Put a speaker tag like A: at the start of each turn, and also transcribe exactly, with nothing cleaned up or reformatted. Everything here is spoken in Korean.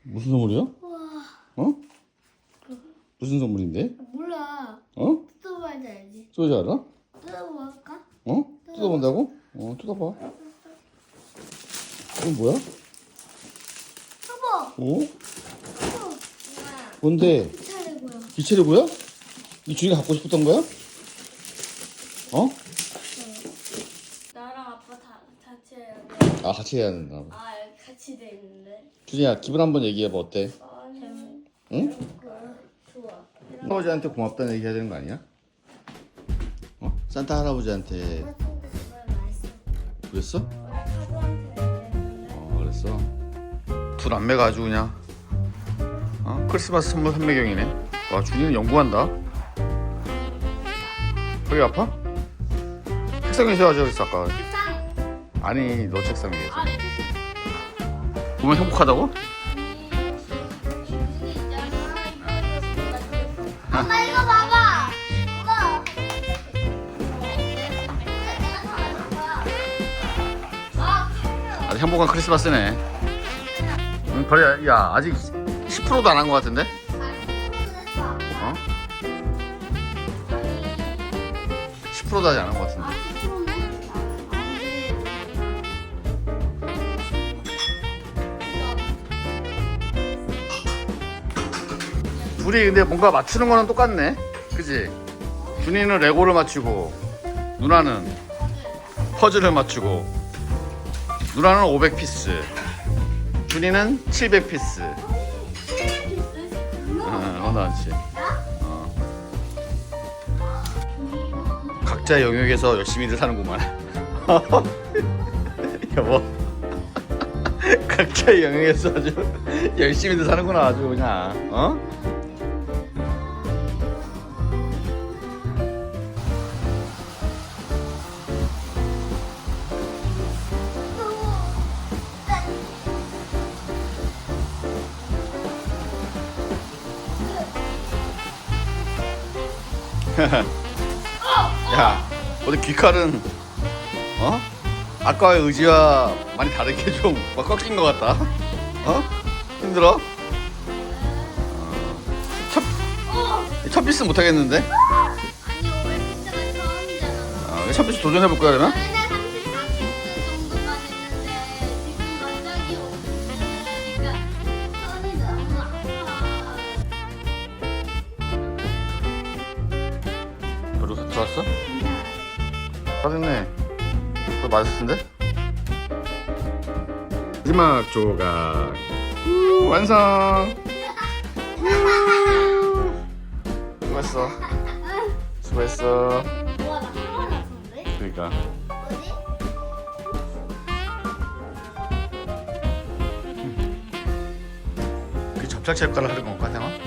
A: 무슨 선물이야?
B: 우와.
A: 어? 무슨 선물인데?
B: 몰라.
A: 어?
B: 뜯어봐야지 알지.
A: 소지 알아?
B: 뜯어볼까?
A: 어? 뜯어본다고? 어, 뜯어봐. 이건 뭐야?
B: 여보.
A: 어?
B: 여보.
A: 뭔데?
B: 기차래고요.
A: 기체리고야? 이 준이가 갖고 싶었던 거야? 어?
B: 나랑 아빠 다 같이 해야 돼.
A: 아, 같이 해야 된다.
B: 아 같이 돼 있는데.
A: 준이야, 기분 한번 얘기해봐. 어때?
B: 재밌.
A: 응?
B: 좋아.
A: 할아버지한테 고맙다는 얘기 해야 되는 거 아니야? 어? 산타 할아버지한테 그랬어? 어, 그랬어? 두 남매가 아주 그냥 어? 크리스마스 선물 삼매경이네. 와, 준이는 연구한다. 허리 아파? 책상 위에서 하자 그랬어 아까. 아니, 너 책상 위에서. 보면 행복하다고?
B: 엄마 이거 봐봐. 이거.
A: 아주 행복한 크리스마스네. 응, 그래. 야, 아직 십 퍼센트도 안 한 것 같은데? 어? 십 퍼센트도 아직 안 한 것 같은데. 둘이 근데 뭔가 맞추는 거는 똑같네. 그지? 준이는 레고를 맞추고 누나는 퍼즐을 맞추고 누나는 오백 피스, 준이는 칠백 피스. 어, 어, 나지. 어. 각자 영역에서 열심히들 사는구만. 여보. 각자 영역에서 아주 열심히들 사는구나 아주 그냥. 어? 야, 어디 귀칼은 어? 아까의 의지와 많이 다르게 좀 막 꺾인 것 같다. 어? 힘들어? 어. 첫, 첫 피스 못 하겠는데?
B: 아니 오백 피스가 처음이잖아.
A: 어, 첫 피스 도전해 볼 거야 그러면?
B: 맨날 삼십삼 피스 정도만 했는데 지금 갑자기 오니까 손이 너무 아파.
A: 별로 들어왔어? 다 됐네. 더 맛있을 텐데? 마지막 조각. 우, 완성. 우. 수고했어. 수고했어.
B: 우와 나 화가 났는데?
A: 그러니까.
B: 뭐지?
A: 그 접착제 역할을 하는 건 같아.